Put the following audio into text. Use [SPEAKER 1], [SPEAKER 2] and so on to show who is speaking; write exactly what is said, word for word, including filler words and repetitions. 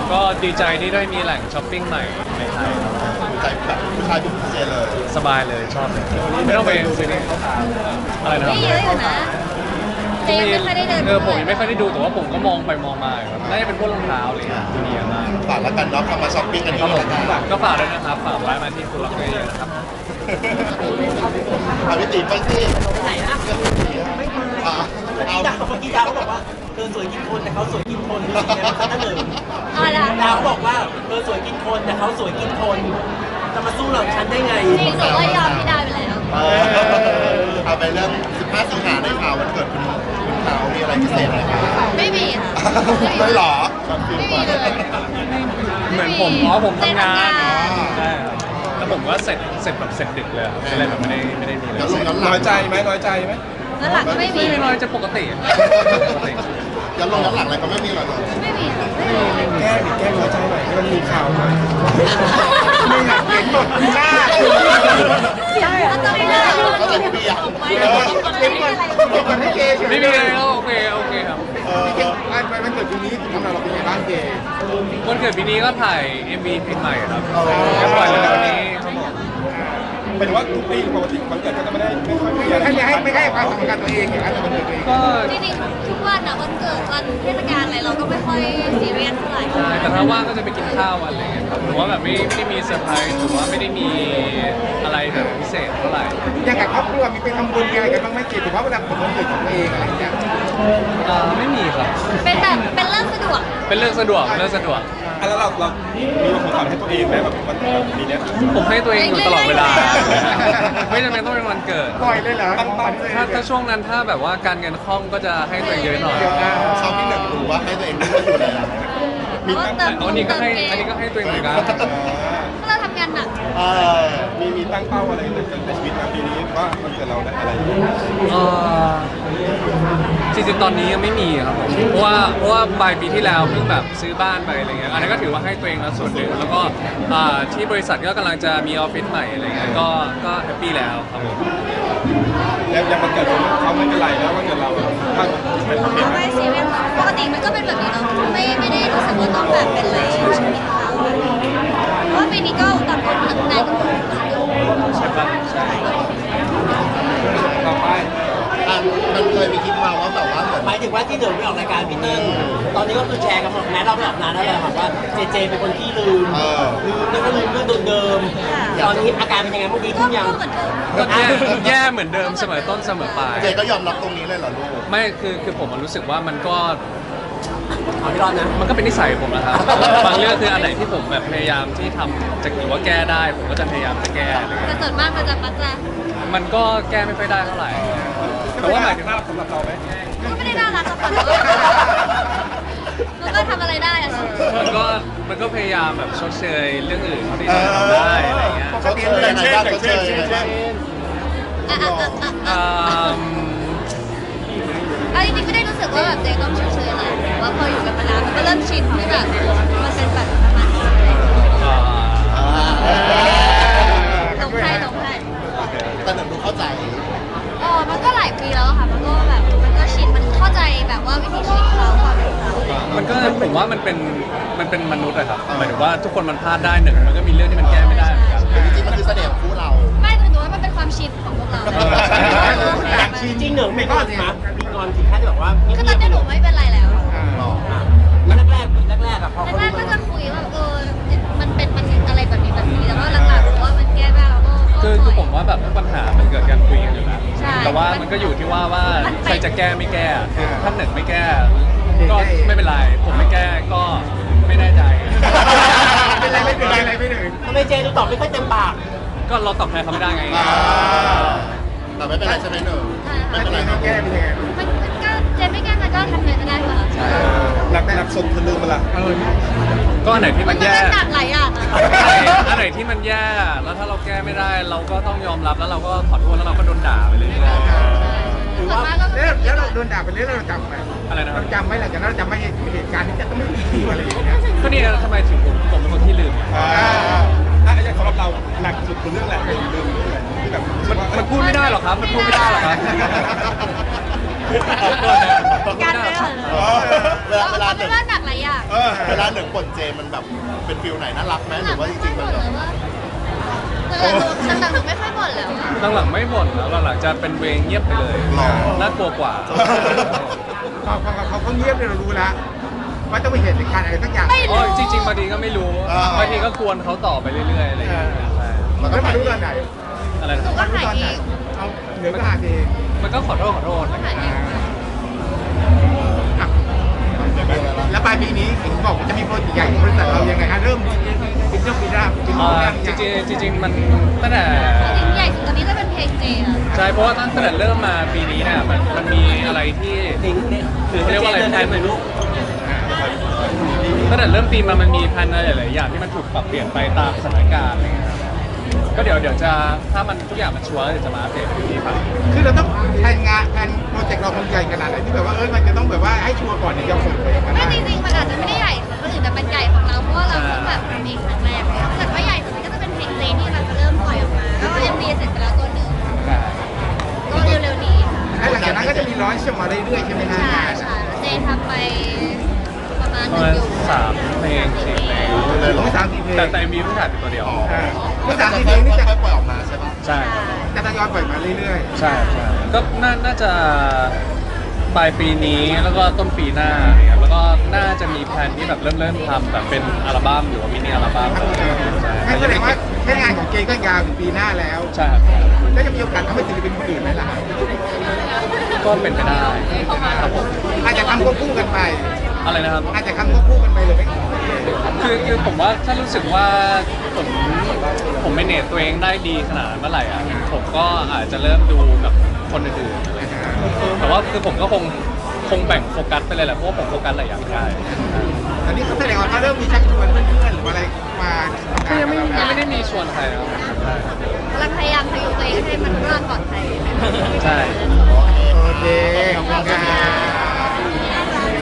[SPEAKER 1] ก็ดีใจที่ได้มีแหล่งช้อปปิ้งใหม่ในไทยครับ
[SPEAKER 2] ใจแบบผู้ชายผู้เจเลย
[SPEAKER 1] สบายเลยชอบเลยไม่ต้องไปซื้อนี่อะไรนะค
[SPEAKER 3] ไม่
[SPEAKER 1] รับ
[SPEAKER 3] เยอะอยู่นะเจยังไม่ค่อยได้เดิน
[SPEAKER 1] เออผมยังไม่ค่อยได้ดูแต่ว่าผมก็มองไปมองมาครับน่าจะเป็นพวกรองเท้าอะไรอย่างเงี้ยที่มีเยอะมาก
[SPEAKER 2] ฝากแล้วกันเนาะเข้ามาช้อปปิ้งกัน
[SPEAKER 1] ครับ
[SPEAKER 2] ที่
[SPEAKER 1] ผม
[SPEAKER 2] นี่นะครับ
[SPEAKER 1] ก็ฝากด้วยนะครับฝากไว้มาที่คุณล็อกเกอร์เยอะนะครับ
[SPEAKER 2] เอาพี่ตีไปสิ
[SPEAKER 4] ไหนนะ
[SPEAKER 2] อ่ะ
[SPEAKER 4] เมื่อ
[SPEAKER 2] เอา
[SPEAKER 4] กี้ดาวเมื่อกี้ดาวเขาบอกว่าเธอสวยกินคนแต่เขาสวยกินคนรู้สึกไงบ้างคะท่านหนึ่ง
[SPEAKER 3] อะไรนะ
[SPEAKER 4] ดาวเขาบอกว่าเธอสวยกินคนแต่เขาสวยกินคนจะมาสู้เราฉันได้ไง
[SPEAKER 3] จริงหนูก็ยอมพี่ดาวไปแล้ว
[SPEAKER 2] เออเอาไปเรื่องสิบห้าสิงหาในข่าววันเกิดคุณคุณเขามีอะไรพิเศษไหมครับ
[SPEAKER 3] ไม่มีค่ะ
[SPEAKER 2] ไม่หรอ
[SPEAKER 3] ไม่มีเลย
[SPEAKER 1] เหมือนผมอ๋อผมทำงาน
[SPEAKER 3] เจทำงาน
[SPEAKER 1] ใช่ครับแล้วผมก็เสร็จเสร็จแบบเสร็จดึกเลยครับก็เลยแบบไม่ได้ไม่ได้มีเลย
[SPEAKER 2] เดี๋ยวลงย้อนหลัง
[SPEAKER 5] น้อยใจไหมน้อยใจไหม
[SPEAKER 3] แล้วหลังก็ไม่มี
[SPEAKER 1] ไม่น้อยจะปกติปกติ
[SPEAKER 2] ย้อนลงย้อนหลังอะไรก็ไม่มีหรอก
[SPEAKER 3] ไม่มีค่ะไม่มี
[SPEAKER 5] แก้ดิแก้น้อยใจหน่อยให้มันมีข่าวหน่อยมึงอะเห็นหมดหน้า
[SPEAKER 3] ใช่แล้วตอนนี้เรา
[SPEAKER 2] ก็จะมีอย่าง
[SPEAKER 3] ไม่ได้ไม่มีอะไร
[SPEAKER 5] มันให้เกย์เฉย
[SPEAKER 1] ไม่มีเลยโอเคโอเคครับ
[SPEAKER 2] เออ
[SPEAKER 5] ไม่ไม่มันเกิดปีนี้ทำเราเป็นไงบ้างเกย์
[SPEAKER 1] วันเกิดปีนี้ก็ถ่าย เอ็ม วี เพลงใหม่ครับก็ปล่อยเร็วๆนี้ครับผม
[SPEAKER 5] เป็นว่าทุกปีปกติวันเกิดก็จะไม่ได้ไม่ค่อยมีอะไรไม่ให้ไม่ให้ความสำคัญตัวเองอย่างนั้นวันเกิดตัวเอง
[SPEAKER 1] ก็
[SPEAKER 3] จริงๆทุกวันอะวันเกิดวันเทศกาลอะไรเราก็ไม่ค่อยซีเรียสเท่าไหร่
[SPEAKER 1] ใช่แต่ถ้าว่างก็จะไปกินข้าวอะไรอย่างเงี้ยครับหรือว่าแบบไม่ไม่ได้มีเซอร์ไพรส์หรือว่าไม่ได้มีอะไรแบบพิเศษเท่าไหร่
[SPEAKER 5] อย่างกับครอบครัวมีไปทำบุญอะไรกันบ้างไหมเกย์ถือว่าเวลาผมวันเกิดของตัวเองอะไรอย่างเงี้ย
[SPEAKER 1] อ่าไม่มีครับ
[SPEAKER 3] เป็นแบบเป็นเรื่องสะดวก
[SPEAKER 1] เป็นเรื่องสะดวกเป็นเรื่องสะดวก
[SPEAKER 5] อ่ะแล้วเราเรามีของขวัญให้ตัวเองไหมแบบวันปีเนี้ย
[SPEAKER 1] ผมให้ตัวเองอยู่ตลอดเวลา ไม่จำเป็นต้องเป็นวันเกิด
[SPEAKER 5] ปล่อยเลยเหรอตั้งเป้า
[SPEAKER 1] ถ้าถ้าช่วงนั้นถ้าแบบว่าการเงินคล่องก็จะให้ตัวเองเยอะหน่อย
[SPEAKER 2] ชอบที่หนึ่งรู้ว่าให้ตัวเองรู้ว่าอยู่แล้ว
[SPEAKER 3] แล้วก็เติม
[SPEAKER 1] อันนี้ก็ให้
[SPEAKER 3] เติมเกม
[SPEAKER 1] อันนี้ก็ให้ตัวเองเหมือนกัน
[SPEAKER 3] เพราะเราทำงานหนัก
[SPEAKER 2] เออ
[SPEAKER 5] มีมีตั้งเป้าอะไรในในชีวิตนะปีนี้ว่ามันเกิดเราได้อะไร
[SPEAKER 1] เอ่อจริงๆตอนนี้ยังไม่มีครับผมเพราะว่าเพราะว่าปลายปีที่แล้วเพิ่งแบบซื้อบ้านไปอะไรเงี้ยอันนั้นก็ถือว่าให้ตัวเองแล้วส่วนหนึ่งแล้วก็อ่าที่บริษัทก็กำลังจะมีออฟฟิศใหม่อะไรเงี้ยก็ก็แฮปปี้แล้วครับผม
[SPEAKER 5] แล้วยังมันเกิดเขาไม่เป็นไรแล้ววันเกิดเราถ้าเป็นประเภท
[SPEAKER 3] ไม่ซีเรียสปกติมันก็เป็นแบบนี้เนาะไม่ไม่ได้รู้สึกว่าต้องแบบเป็นอะไรชีวิตเขาเพราะว่าปีนี้ก็ต่างคนต่างงานกันหมด
[SPEAKER 1] ใช่ปะใช่
[SPEAKER 5] ต่อไป
[SPEAKER 2] อ่ะมันเคยมีคลิปมาว่าแบบว่าเหมือน
[SPEAKER 4] หมายถึงว่าที่เดินไปออกรายการพี่เติ้ลตอนนี้ก็คือแชร์กันหมดแม้เราไม่ออกนานแล้วแหละค่ะว่าเจเจเป็นคนที่ลืม
[SPEAKER 2] เออ
[SPEAKER 4] ลืมแล้วก็ลืมเรื่องเดิมๆตอนนี้อาการเป็นยังไงบ้างดี
[SPEAKER 3] ก็
[SPEAKER 4] ขึ้นยัง
[SPEAKER 3] ก็เหมือนเดิม
[SPEAKER 1] ก็แย่แย่เหมือนเดิมเสมอต้นเสมอปลาย
[SPEAKER 2] เจก็ยอมรับตรงนี้เลยเหรอลูก
[SPEAKER 1] ไม่คือคือผมรู้สึกว่ามันก็
[SPEAKER 4] เอาพี่รอดนะ
[SPEAKER 1] มันก็เป็นนิสัยผมนะครับ บางเรื่องคืออันไหนที่ผมแบบพยายามที่ทำจะหรือว่าแก้ได้ ผมก็จะพยายามจะแก้อะไรเงี้ย
[SPEAKER 3] แต่ส่วนมากมันจะปัจจะ
[SPEAKER 1] มันก็แก้ไม่ค่อยได้เท่าไหร่ แต่ว่าหมายถึง
[SPEAKER 5] น่ารักสำหรับเราไหม
[SPEAKER 3] มันก็ไม่ได้น่ารักกับมันมันก็ทำอะไรได้อะ
[SPEAKER 1] มันก็มันก็พยายามแบบชดเชยเรื่องอื่นที่เราทำได้อะไรเงี้ย
[SPEAKER 2] เขาเชยยังไงบ้างเขาเชยยังไงบ้าง
[SPEAKER 3] อ่ะอ่ะอ่ะอ่ะ
[SPEAKER 1] อื
[SPEAKER 3] อ่ะ
[SPEAKER 1] ม
[SPEAKER 3] เอาจริงๆไม่ได้รู้สึกว่าแบบเจ๊ต้องเฉยๆอะไรแต่ว่าพออยู่กันมานานมันก็เริ่มชินที่แบบมันเป็นแบบประมาณนี้
[SPEAKER 1] อ่า
[SPEAKER 3] หลงให้หลงให้
[SPEAKER 2] แต่หนึ่งดูเข้าใจ
[SPEAKER 3] อ๋อมันก็หลายปีแล้วอะค่ะ มันก็แบบมันก็ชินมันเข้าใจแบบว่าวิถีชีวิตเขาความเป็นเขา
[SPEAKER 1] มันก็ผมว่ามันเป็นมันเป็นมนุษย์อะครับหมายถึงว่าทุกคนมันพลาดได้หนึ่งมันก็มีเรื่องที่มันแก้ไม่ได้เหมือนกัน
[SPEAKER 2] จริงๆมันคือเสน่ห์ของคู่เรา
[SPEAKER 3] ไม่แต่หนูว่ามันเป็นความชินของพวกเรา
[SPEAKER 4] จริงๆหนึ่งไม่ก็สินะมีงอนถึงขั้นที่แบบว่า
[SPEAKER 3] คือตอนนี้หนูไม่เป็นไรแล้ว
[SPEAKER 4] แรกแรกแรกๆอะพอเขา
[SPEAKER 3] แรกๆก็จะคุยว่าเออมันเป็นมันอะไรแบบนี้แบบนี้แต่ว่าหลังๆหนูว่ามันแก้ได้แล้วก็
[SPEAKER 1] คือคือผมว่าแบบทุกปัญหามันเกิดการคุยกันอยู่แล้ว
[SPEAKER 3] ใช่
[SPEAKER 1] แต่ว่ามันก็อยู่ที่ว่าว่าใครจะแก้ไม่แก้คือท่านหนึ่งไม่แก้ ก็ไม่เป็นไร ผมไม่แก้ก็ไม่แน่ใจ
[SPEAKER 5] เป็นไรไม่เป็นไรไม่เป็นไร
[SPEAKER 4] ทำไมเจดูตอบไม่ค่อยเต็มปาก
[SPEAKER 1] ก็เราตอบแทนเขาไม่ได้ไง
[SPEAKER 2] แต่ไม่เป็นไรใช่ไหมหนึ่งไม่
[SPEAKER 5] ถ้า
[SPEAKER 2] เป็นไร
[SPEAKER 5] เจไม่แก้เป็นยังไง
[SPEAKER 3] มันมันก็เจนไม่แก้มันก็ทำไงก็ได้ค่ะ
[SPEAKER 5] หนักหนักสมทะลึ่งมาละ
[SPEAKER 1] ก็อันไหนที่
[SPEAKER 3] มั
[SPEAKER 1] มัน น
[SPEAKER 3] ก็
[SPEAKER 1] แย่
[SPEAKER 3] เล่นหนักหลายอย่างอะ
[SPEAKER 1] อันไหนที่มันแย่ แล้วถ้าเราแก้ไม่ได้ เราก็ต้องยอมรับแล้วเราก็ขอโทษแล้วเราก็โดนด่าไปเรื่อย
[SPEAKER 3] ส่วนมากก็
[SPEAKER 5] แล้วแล้วเราโดนด่าไปเรื่อยเราจำไหม
[SPEAKER 1] ๆอะไรนะครั
[SPEAKER 5] เรา
[SPEAKER 1] บ
[SPEAKER 5] จำไหมหลังจากนั้นเราจำไม่เหตุการณ์ที่จะต้องไม่มีอะไรอย่างเงี้ย
[SPEAKER 1] ก็นี่ทำไมถึงผมผมเป็นคนที่ลืม
[SPEAKER 5] อ่าถ้าอย่างสำหรับเราหนักสุดคือเรื่องอะไรเป็นเรื่องอะไรที่แบบ
[SPEAKER 1] มันมันพูดไม่ได้หรอกครับ มันพูดไม่ได้หรอกครับ
[SPEAKER 3] การเลยเหรอ
[SPEAKER 2] เวลาเวลา
[SPEAKER 3] เอาเป็นว่าหนักหลายอย่าง
[SPEAKER 2] เ
[SPEAKER 5] เออ
[SPEAKER 2] เวลาหนึ่งบทเจมันแบบเป็นฟิลไหนน่ารักไหมหรือว่าจริงๆมันแบบ
[SPEAKER 3] หลังๆหนูไม่ค่อยบ่นแล้วอะ
[SPEAKER 1] หลังๆไม่บ่นแล้วหลังๆจะเป็นเวงเงียบไปเลย
[SPEAKER 2] หรอ
[SPEAKER 1] น่ากลัวกว่า
[SPEAKER 5] พอพอเขาเขาเงียบเนี่ยเรารู้แล้วว่าต้องมีเหตุการณ์อะไรสักอย่าง
[SPEAKER 3] ไม่
[SPEAKER 1] อ๋
[SPEAKER 3] รู้
[SPEAKER 1] อจริงๆบางทีก็ไม่รู้
[SPEAKER 2] อ่า
[SPEAKER 1] บางทีก็กวนเขาต่อไปเรื่อยๆอะไรอย่างเงี้ยใช่
[SPEAKER 2] มันก็
[SPEAKER 5] แล้ว
[SPEAKER 2] ไป
[SPEAKER 5] มารู้ตอนไหน
[SPEAKER 1] อะไร
[SPEAKER 3] หนู
[SPEAKER 1] นะ
[SPEAKER 3] ก็หายเอง
[SPEAKER 5] เอาเหนือก็หาเอง
[SPEAKER 1] มันก็ขอโทษขอโทษอะไรอย่าง
[SPEAKER 3] หาย
[SPEAKER 1] เงี้ย
[SPEAKER 3] เอง
[SPEAKER 5] อ่ะแล้วปลายปีนี้เห็นบอกว่าจะมีโปรเจกต์ใหญ่ของบริษัทเรายังไงฮะเริ่มเป็นเจ้าปีหน้าเป็น
[SPEAKER 1] อ่า
[SPEAKER 5] เรื่อง
[SPEAKER 1] จ
[SPEAKER 5] ยัง
[SPEAKER 1] ริงๆจริงๆมันตั้งแต่
[SPEAKER 3] จริงๆใหญ่สุดตอนนี้ก็เป็นเพลงเจอะ
[SPEAKER 1] ใช่เพราะว่าตั้งแต่เริ่มมาปีนี้เนี่ยมันมันมีอะไรที่
[SPEAKER 4] ลิงก์เนี่ยคือ
[SPEAKER 1] เขาเรียกว่าอะไร
[SPEAKER 4] เดิน
[SPEAKER 1] แพ
[SPEAKER 4] ได้
[SPEAKER 1] น
[SPEAKER 4] เหมือนลูก
[SPEAKER 1] ตั้งแต่เริ่มปีมามันมีแพลนอะไรหลายๆอย่างที่มันถูกปรับเปลี่ยนไปตามสถานการณ์อะไรเงี้ยครับก็เดี๋ยวเดี๋ยวจะถ้ามันทุกอย่างมันชัวร์แล้วเดี๋ยวจะมาอัปเดตให้พี่ฟัง
[SPEAKER 5] คือเราต้องแผนงานแผนโปรเจกต์เราคงใหญ่ขนาดไหนที่แบบว่าเออมันจะต้องแบบว่าให้ชัวร์ก่อนถึงจะเปิดเผยกัน
[SPEAKER 3] ไม่
[SPEAKER 5] ได้
[SPEAKER 3] จริงๆมันอาจจะไม่ได้ใหญ่ของคนอื่นแต่มันใหญ่ของเราเพราะว่าเราเพิ่งแบบทำเองครั้งแรกเลยถ้าเกิดว่าใหญ่สุดมันก็จะเป็นเพลงเจที่เราจะเริ่มปล่อยออกมาแล้วก็เอ็มวีเสร็จไปแล้วตัวหนึ่งก็เร็วๆนี้ค่ะ
[SPEAKER 5] และหลังจากนั้นก็จะมีร้อนชมาเรื่อยๆใช่ไหมฮะ
[SPEAKER 3] ใช่ใช่เจทำไปประมาณ
[SPEAKER 1] ประ
[SPEAKER 3] หนึ่
[SPEAKER 1] มาง ณ
[SPEAKER 3] อยู่
[SPEAKER 1] สามเพลงสี่เพลง
[SPEAKER 2] เลยเหรอ
[SPEAKER 5] สามสี่เพลง
[SPEAKER 1] แต่แต่มีเพิ่งถ่ายไปตัวเดียว
[SPEAKER 2] อ๋อ
[SPEAKER 5] อ่าเมื่อ
[SPEAKER 2] จะ
[SPEAKER 5] สาม
[SPEAKER 2] ค่
[SPEAKER 5] สี่เพลงนี่จะ
[SPEAKER 2] อยๆปล่อยออกมาใช่ปะ
[SPEAKER 1] ใช่ครับ
[SPEAKER 5] จะทยอยปล่อยมาเรื่อย
[SPEAKER 1] ใช่ใช่ก็น่าน่าจะปลายปีนี้แล้วก็ต้นปีหน้าอะไรเงี้ยแล้วก็น่าจะมีแพลนที่แบบเริ่มเริ่มทำแบบเป็นอัลบั้มหรือว่ามินิอัลบั้ม
[SPEAKER 5] ๆ
[SPEAKER 1] อะไรอย่างเงี้ยใช่
[SPEAKER 5] งั้นแสดงว่าแค่งานของเจก็ยาวถึงปีหน้าแล้ว
[SPEAKER 1] ใช่ครับ
[SPEAKER 5] แล้วจะมีโอกาสทำให้ศิลปินคนอื่นไหมล่ะ
[SPEAKER 1] ก็เป็นไปได้ครับผม
[SPEAKER 5] อาจจะทำควบคู่กันไป
[SPEAKER 1] อะไรนะครับ
[SPEAKER 5] อาจจะทำควบคู่กันไปเลยไหม
[SPEAKER 1] คือคือผมว่าถ้ารู้สึกว่าผมผมไม่เนตตัวเองได้ดีขนาดนั้นเมื่อไหร่อ่ะผมก็อาจจะเริ่มดูกับคนอื่นๆอะไรอย่างเงี้ยแต่ว่าคือผมก็คงคงแบ่งโฟกัสไปเลยแหละเพราะว่าผมโฟกัสหลายอย่างได้
[SPEAKER 5] ตอนนี้เขาแสดงว่าเขาเริ่มมีชักชวนเพื่อนๆหรือว่าอะไรมา
[SPEAKER 1] ก็ยังไม่ยังไม่ได้มีชวนใครนะครับ
[SPEAKER 3] กำลังพยายามพยุงตัวเองให้มันรอดปลอดภัย
[SPEAKER 1] ใช่
[SPEAKER 5] โอเคขอบคุณครับ